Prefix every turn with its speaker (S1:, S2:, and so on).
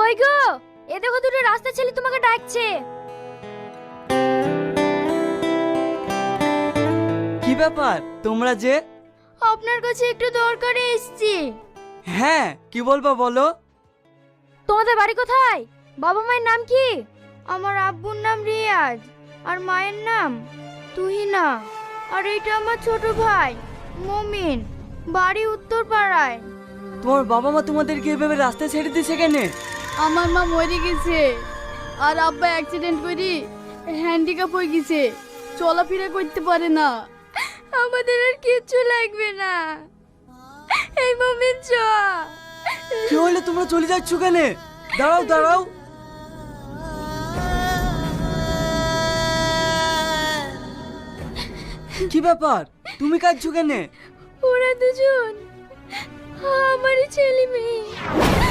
S1: কই গো, এ দেখো দুটো রাস্তা ছেলে তোমাকে ডাকছে।
S2: কি ব্যাপার তোমরা যে?
S1: আপনার কাছে একটু দরকারে এসেছি।
S2: হ্যাঁ, কি বলবো বলো।
S1: তোমাদের বাড়ি কোথায়? বাবা মায়ের নাম কি? আমার আব্বুর নাম রিয়াজ, আর মায়ের নাম তুহিনা। আর এটা আমার ছোট ভাই মমিন, বাড়ি উত্তর পাড়ায়।
S2: তোমার বাবা মা তোমাদেরকে এভাবে রাস্তায় ছেড়ে দিয়েছে কেন?
S3: আমার মা মরে গেছে, আর আব্বা অ্যাক্সিডেন্ট করি হ্যান্ডিক্যাপ হয়ে গেছে, চলাফেরা করতে পারে না।
S1: আমাদের আর কিচ্ছু লাগবে না। এই মমিন চ।
S2: কি হলে তোমরা চলে যাচ্ছ কেন? দাঁড়াও দাঁড়াও। কি ব্যাপার, তুমি কাঁদছো কেন?
S1: ওরা দুজন আমারই ছেলে মেয়ে।